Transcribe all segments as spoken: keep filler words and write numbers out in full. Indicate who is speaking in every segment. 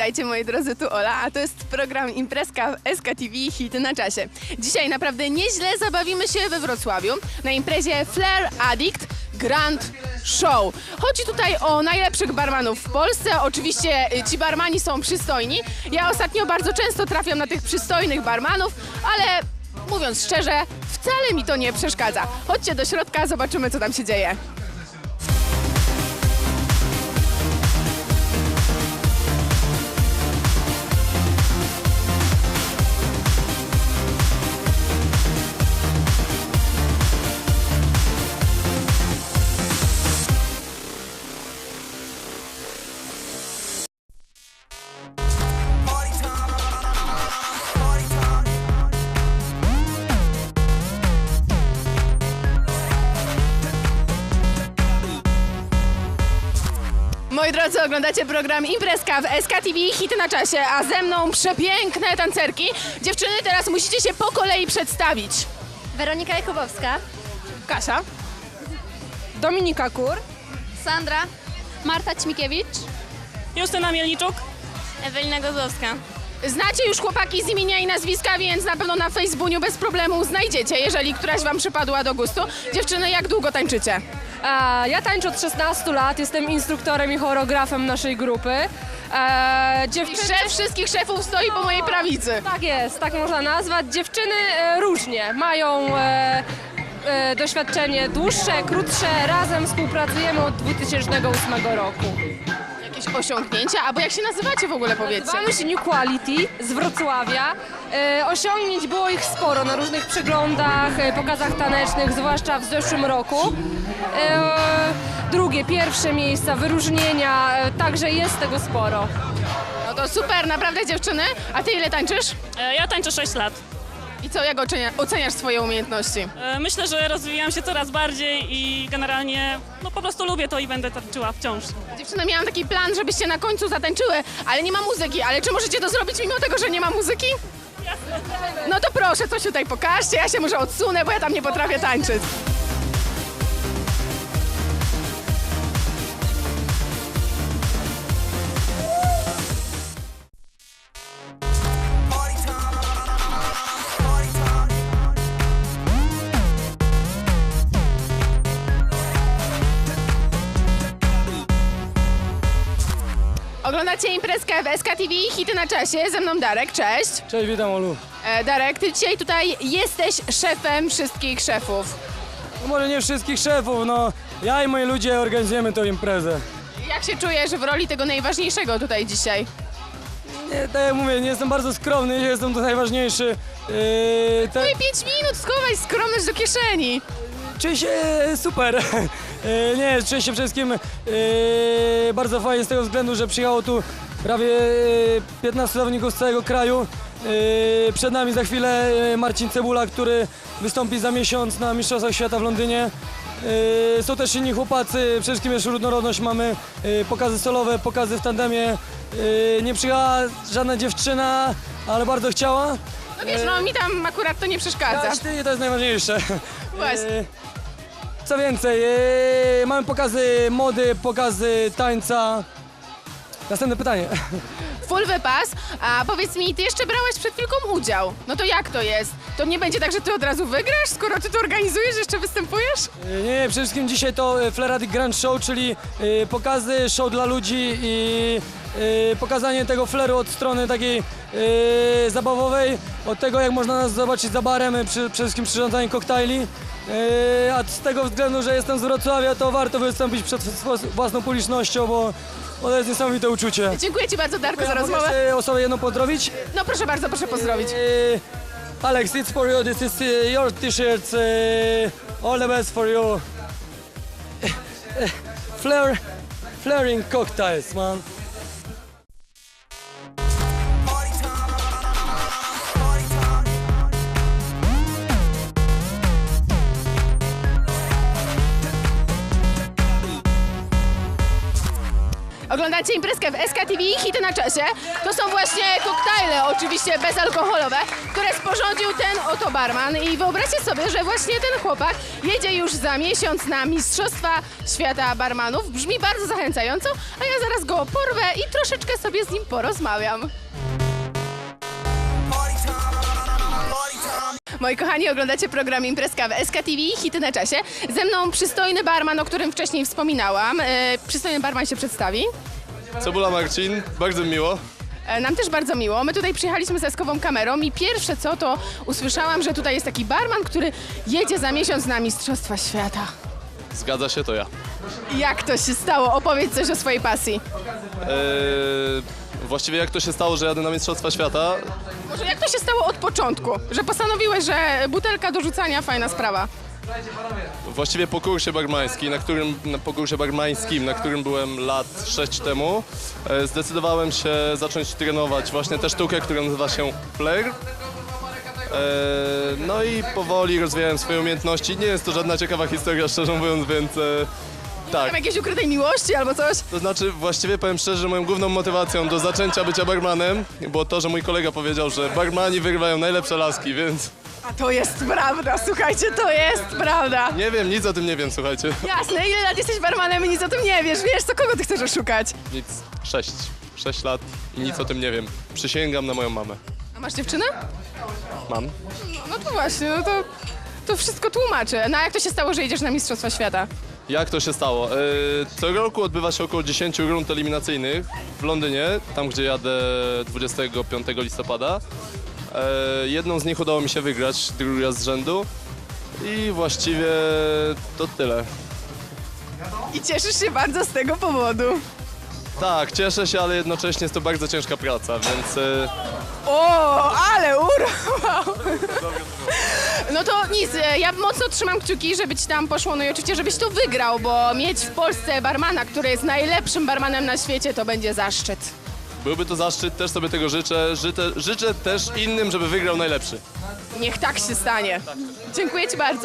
Speaker 1: Witajcie moi drodzy, tu Ola, a to jest program Imprezka w S K T V Hity na czasie. Dzisiaj naprawdę nieźle zabawimy się we Wrocławiu na imprezie Flair Addict Grand Show. Chodzi tutaj o najlepszych barmanów w Polsce. Oczywiście ci barmani są przystojni. Ja ostatnio bardzo często trafiam na tych przystojnych barmanów, ale mówiąc szczerze, wcale mi to nie przeszkadza. Chodźcie do środka, zobaczymy co tam się dzieje. Moi drodzy, oglądacie program Imprezka w S K T V Hity na czasie, a ze mną przepiękne tancerki. Dziewczyny, teraz musicie się po kolei przedstawić.
Speaker 2: Weronika Jakubowska.
Speaker 1: Kasia.
Speaker 3: Dominika Kur.
Speaker 2: Sandra. Marta Ćmikiewicz.
Speaker 3: Justyna Mielniczuk.
Speaker 2: Ewelina Gozowska.
Speaker 1: Znacie już chłopaki z imienia i nazwiska, więc na pewno na Facebooku bez problemu znajdziecie, jeżeli któraś wam przypadła do gustu. Dziewczyny, jak długo tańczycie?
Speaker 3: E, ja tańczę od szesnastu lat, jestem instruktorem i choreografem naszej grupy. E,
Speaker 1: I
Speaker 3: dziewczyny...
Speaker 1: szef wszystkich szefów stoi po mojej prawicy.
Speaker 3: Tak jest, tak można nazwać. Dziewczyny e, różnie mają e, e, doświadczenie dłuższe, krótsze. Razem współpracujemy od dwa tysiące ósmego roku.
Speaker 1: Jakieś osiągnięcia? Albo jak się nazywacie w ogóle, powiedzcie?
Speaker 3: Nazywamy się New Quality z Wrocławia. E, osiągnięć było ich sporo na różnych przeglądach, e, pokazach tanecznych, zwłaszcza w zeszłym roku. E, drugie, pierwsze miejsca, wyróżnienia, e, także jest tego sporo.
Speaker 1: No to super, naprawdę dziewczyny. A ty ile tańczysz?
Speaker 4: E, Ja tańczę sześć lat.
Speaker 1: I co, jak ocenia, oceniasz swoje umiejętności?
Speaker 4: E, Myślę, że rozwijam się coraz bardziej i generalnie no po prostu lubię to i będę tańczyła wciąż.
Speaker 1: Dziewczyny, miałam taki plan, żebyście na końcu zatańczyły, ale nie ma muzyki. Ale czy możecie to zrobić mimo tego, że nie ma muzyki? No to proszę, coś tutaj pokażcie, ja się może odsunę, bo ja tam nie potrafię tańczyć. Oglądacie imprezkę w S K T V Hity na czasie, ze mną Darek, cześć.
Speaker 5: Cześć, witam Olu.
Speaker 1: E, Darek, ty dzisiaj tutaj jesteś szefem wszystkich szefów.
Speaker 5: No może nie wszystkich szefów, no ja i moi ludzie organizujemy tę imprezę.
Speaker 1: Jak się czujesz w roli tego najważniejszego tutaj dzisiaj?
Speaker 5: Nie, tak jak mówię, nie jestem bardzo skromny, nie jestem tu najważniejszy. Yy, te,
Speaker 1: No i pięć minut, schowaj skromność do kieszeni.
Speaker 5: czuję się super. Yy, nie, czuję się przede wszystkim yy, bardzo fajnie z tego względu, że przyjechało tu prawie yy, piętnastu zawodników z całego kraju. Yy, przed nami za chwilę yy, Marcin Cebula, który wystąpi za miesiąc na Mistrzostwach Świata w Londynie. Yy, są też inni chłopacy, przede wszystkim jest różnorodność, mamy yy, pokazy solowe, pokazy w tandemie. Yy, nie przyjechała żadna dziewczyna, ale bardzo chciała.
Speaker 1: No wiesz, no mi tam akurat to nie przeszkadza.
Speaker 5: Dać ty, to jest najważniejsze.
Speaker 1: Właśnie.
Speaker 5: Yy, Co więcej, yy, mamy pokazy mody, pokazy tańca. Następne pytanie.
Speaker 1: Full wypas, a powiedz mi, ty jeszcze brałeś przed chwilką udział. No to jak to jest? To nie będzie tak, że ty od razu wygrasz, skoro ty to organizujesz, jeszcze występujesz?
Speaker 5: Yy, Nie, nie, przede wszystkim dzisiaj to yy, Flair Addict Grand Show, czyli yy, pokazy, show dla ludzi i yy, pokazanie tego fleru od strony takiej yy, zabawowej, od tego jak można nas zobaczyć za barem, yy, przy, przede wszystkim przyrządzanie koktajli. Yy, a z tego względu, że jestem z Wrocławia, to warto wystąpić przed swo- własną publicznością, bo, bo to jest niesamowite uczucie.
Speaker 1: Dziękuję ci bardzo, Darku, za
Speaker 5: Mogę
Speaker 1: rozmowę.
Speaker 5: jeszcze osobę jedną pozdrowić?
Speaker 1: No proszę bardzo, proszę pozdrowić.
Speaker 5: Yy, Alex, it's for you. This is uh, your t-shirt. Uh, all the best for you. Flair, flaring cocktails, man.
Speaker 1: Oglądacie imprezkę w S K T V, hity na czasie. To są właśnie koktajle, oczywiście bezalkoholowe, które sporządził ten oto barman. I wyobraźcie sobie, że właśnie ten chłopak jedzie już za miesiąc na Mistrzostwa Świata Barmanów. Brzmi bardzo zachęcająco, a ja zaraz go porwę i troszeczkę sobie z nim porozmawiam. Moi kochani, oglądacie program Imprezka w S K T V, hity na czasie. Ze mną przystojny barman, o którym wcześniej wspominałam. E, przystojny barman się przedstawi.
Speaker 6: Cebula Marcin, bardzo miło.
Speaker 1: E, nam też bardzo miło. My tutaj przyjechaliśmy z eskową kamerą i pierwsze co to usłyszałam, że tutaj jest taki barman, który jedzie za miesiąc na Mistrzostwa Świata.
Speaker 6: Zgadza się, to ja.
Speaker 1: Jak to się stało? Opowiedz coś o swojej pasji.
Speaker 6: Eee, właściwie jak to się stało, że jadę na Mistrzostwa Świata?
Speaker 1: Może jak to się stało od początku, że postanowiłeś, że butelka do rzucania fajna sprawa?
Speaker 6: Właściwie po kursie barmańskim, na którym, na, po kursie barmańskim, na którym byłem lat sześć temu, e, zdecydowałem się zacząć trenować właśnie tę sztukę, która nazywa się flair. E, no i powoli rozwijałem swoje umiejętności. Nie jest to żadna ciekawa historia, szczerze mówiąc, więc... E, Tak,
Speaker 1: Tam jakiejś ukrytej miłości albo coś?
Speaker 6: to znaczy właściwie powiem szczerze, że moją główną motywacją do zaczęcia bycia barmanem było to, że mój kolega powiedział, że barmani wygrywają najlepsze laski, więc
Speaker 1: A to jest prawda, słuchajcie, to jest prawda.
Speaker 6: nie wiem, nic o tym nie wiem, słuchajcie.
Speaker 1: Jasne, ile lat jesteś barmanem i nic o tym nie wiesz, wiesz, co kogo ty chcesz oszukać?
Speaker 6: Nic, sześć, sześć lat i nic o tym nie wiem. Przysięgam na moją mamę.
Speaker 1: A masz dziewczynę?
Speaker 6: Mam.
Speaker 1: No to właśnie, no to, to wszystko tłumaczy. No a jak to się stało, że jedziesz na Mistrzostwa Świata?
Speaker 6: Jak to się stało? Yy, co roku odbywa się około dziesięć rund eliminacyjnych w Londynie, tam gdzie jadę dwudziestego piątego listopada. Yy, jedną z nich udało mi się wygrać drugi raz z rzędu i właściwie to tyle.
Speaker 1: I cieszysz się bardzo z tego powodu.
Speaker 6: Tak, cieszę się, ale jednocześnie jest to bardzo ciężka praca, więc yy,
Speaker 1: O, ale urwał! No to nic, e, ja mocno trzymam kciuki, żeby ci tam poszło, no i oczywiście, żebyś to wygrał, bo mieć w Polsce barmana, który jest najlepszym barmanem na świecie, to będzie zaszczyt.
Speaker 6: byłby to zaszczyt, też sobie tego życzę. Życzę, życzę też innym, żeby wygrał najlepszy.
Speaker 1: Niech tak się stanie. Dziękuję ci bardzo.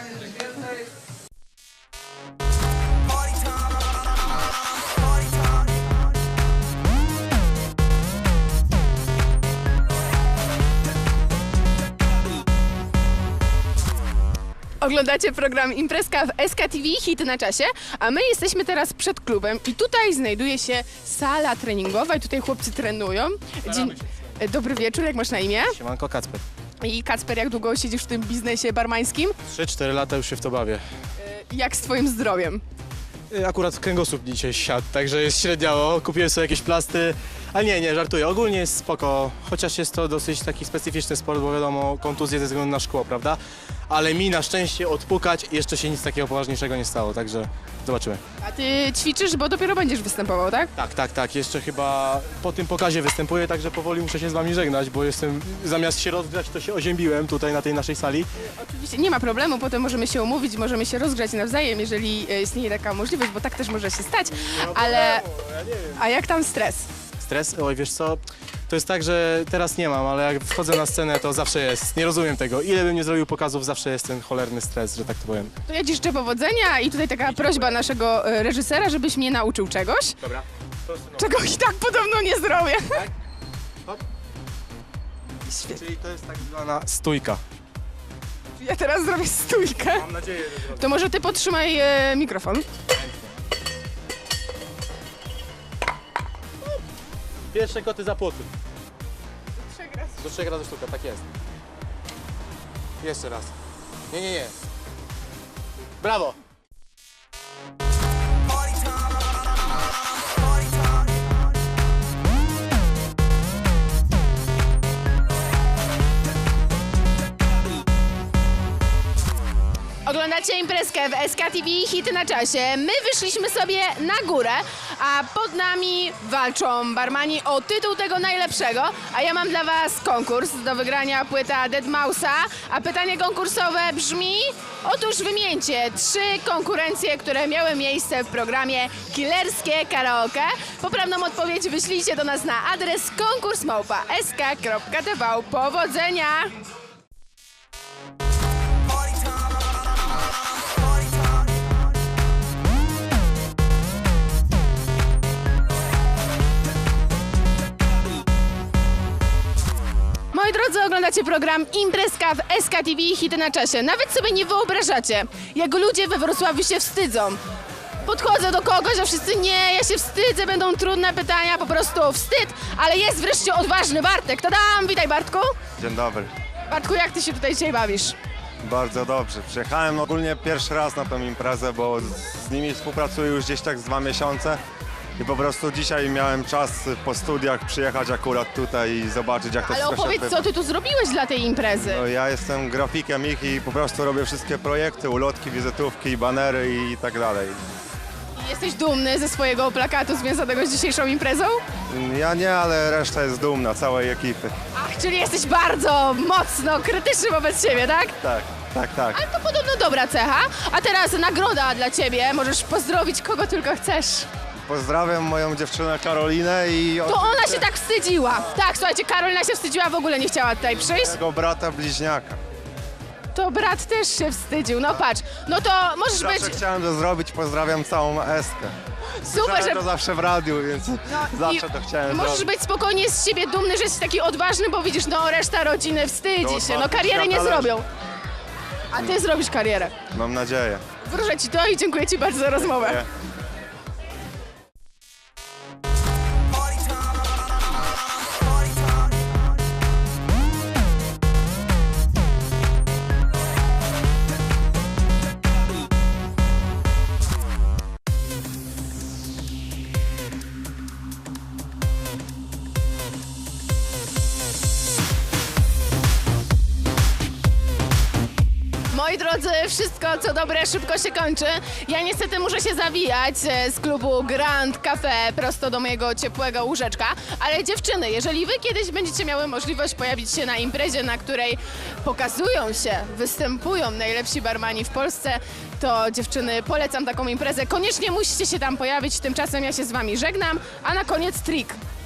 Speaker 1: Oglądacie program Imprezka w S K T V, hity na czasie, a my jesteśmy teraz przed klubem i tutaj znajduje się sala treningowa i tutaj chłopcy trenują. Dzień... Dobry wieczór, jak masz na imię?
Speaker 7: Siemanko, Kacper.
Speaker 1: I Kacper, jak długo siedzisz w tym biznesie barmańskim?
Speaker 7: trzy cztery lata już się w to bawię.
Speaker 1: Jak z twoim zdrowiem?
Speaker 7: Y, Akurat kręgosłup dzisiaj siadł, także jest średniało. Kupiłem sobie jakieś plasty, ale nie, nie, żartuję. Ogólnie jest spoko, chociaż jest to dosyć taki specyficzny sport, bo wiadomo, kontuzje ze względu na szkło, prawda? Ale mi na szczęście odpukać jeszcze się nic takiego poważniejszego nie stało, także zobaczymy.
Speaker 1: A ty ćwiczysz, bo dopiero będziesz występował, tak?
Speaker 7: Tak, tak, tak, jeszcze chyba po tym pokazie występuję, także powoli muszę się z wami żegnać, bo jestem, zamiast się rozgrzać, to się oziębiłem tutaj na tej naszej sali.
Speaker 1: Oczywiście nie ma problemu, potem możemy się umówić, możemy się rozgrzać nawzajem, jeżeli e, istnieje taka możliwość, bo tak też może się stać, ale... A jak tam stres?
Speaker 7: Stres? Oj, wiesz co, to jest tak, że teraz nie mam, ale jak wchodzę na scenę, to zawsze jest. Nie rozumiem tego. Ile bym nie zrobił pokazów, zawsze jest ten cholerny stres, że tak to powiem.
Speaker 1: To ja ci życzę powodzenia i tutaj taka prośba naszego e, reżysera, żebyś mnie nauczył czegoś,
Speaker 7: Dobra.
Speaker 1: czego i tak podobno nie zrobię. Świetnie.
Speaker 7: Czyli to jest tak zwana stójka.
Speaker 1: Ja teraz zrobię stójkę.
Speaker 7: Mam nadzieję, że zrobię.
Speaker 1: To może ty podtrzymaj e, mikrofon.
Speaker 7: Pierwsze koty za płoty. Do trzech razy sztuka, tak jest. Jeszcze raz. Nie, nie, nie. Brawo!
Speaker 1: Oglądacie imprezkę w S K T V, hity na czasie. My wyszliśmy sobie na górę, a pod nami walczą barmani o tytuł tego najlepszego. A ja mam dla was konkurs do wygrania płyta deadmau five, a pytanie konkursowe brzmi... Otóż wymieńcie trzy konkurencje, które miały miejsce w programie Killerskie Karaoke. Poprawną odpowiedź wyślijcie do nas na adres konkurs małpa s k kropka t v. Powodzenia! Oglądacie program Imprezka w S K T V Hity na czasie. Nawet sobie nie wyobrażacie, jak ludzie we Wrocławiu się wstydzą. Podchodzę do kogoś, a wszyscy nie, ja się wstydzę, będą trudne pytania, po prostu wstyd, ale jest wreszcie odważny Bartek. Tadam! Witaj, Bartku.
Speaker 8: Dzień dobry.
Speaker 1: Bartku, jak ty się tutaj dzisiaj bawisz?
Speaker 8: Bardzo dobrze. Przyjechałem ogólnie pierwszy raz na tą imprezę, bo z, z nimi współpracuję już gdzieś tak z dwa miesiące i po prostu dzisiaj miałem czas po studiach przyjechać akurat tutaj i zobaczyć, jak to
Speaker 1: Ale
Speaker 8: wszystko się
Speaker 1: opowiedz,
Speaker 8: odbywa.
Speaker 1: co ty tu zrobiłeś dla tej imprezy.
Speaker 8: No, ja jestem grafikiem ich i po prostu robię wszystkie projekty, ulotki, wizytówki, banery i tak dalej.
Speaker 1: Jesteś dumny ze swojego plakatu związanego z dzisiejszą imprezą?
Speaker 8: Ja nie, ale reszta jest dumna, całej ekipy.
Speaker 1: Ach, czyli jesteś bardzo mocno krytyczny wobec siebie, tak?
Speaker 8: Tak, tak, tak.
Speaker 1: Ale to podobno dobra cecha. A teraz nagroda dla ciebie. Możesz pozdrowić kogo tylko chcesz.
Speaker 8: Pozdrawiam moją dziewczynę Karolinę i
Speaker 1: To ona się tak wstydziła. Tak, słuchajcie, Karolina się wstydziła, w ogóle nie chciała tutaj przyjść.
Speaker 8: jego brata bliźniaka.
Speaker 1: To brat też się wstydził. No patrz, no to możesz być
Speaker 8: Zawsze chciałem to zrobić, pozdrawiam całą Eskę.
Speaker 1: super,
Speaker 8: Słyszałem
Speaker 1: że...
Speaker 8: to zawsze w radiu, więc
Speaker 1: No,
Speaker 8: zawsze
Speaker 1: i
Speaker 8: to chciałem
Speaker 1: możesz
Speaker 8: zrobić.
Speaker 1: być spokojnie z siebie dumny, że jesteś taki odważny, bo widzisz, no reszta rodziny wstydzi
Speaker 8: To
Speaker 1: się, no
Speaker 8: odważny
Speaker 1: kariery nie
Speaker 8: świata leży.
Speaker 1: zrobią. A ty zrobisz karierę.
Speaker 8: Mam nadzieję.
Speaker 1: Wróżę ci to i dziękuję ci bardzo za rozmowę.
Speaker 8: Nie.
Speaker 1: Moi drodzy, wszystko co dobre szybko się kończy. Ja niestety muszę się zawijać e, z klubu Grand Cafe prosto do mojego ciepłego łóżeczka. Ale dziewczyny, jeżeli wy kiedyś będziecie miały możliwość pojawić się na imprezie, na której pokazują się, występują najlepsi barmani w Polsce, to dziewczyny, polecam taką imprezę. Koniecznie musicie się tam pojawić. Tymczasem ja się z wami żegnam, a na koniec trik.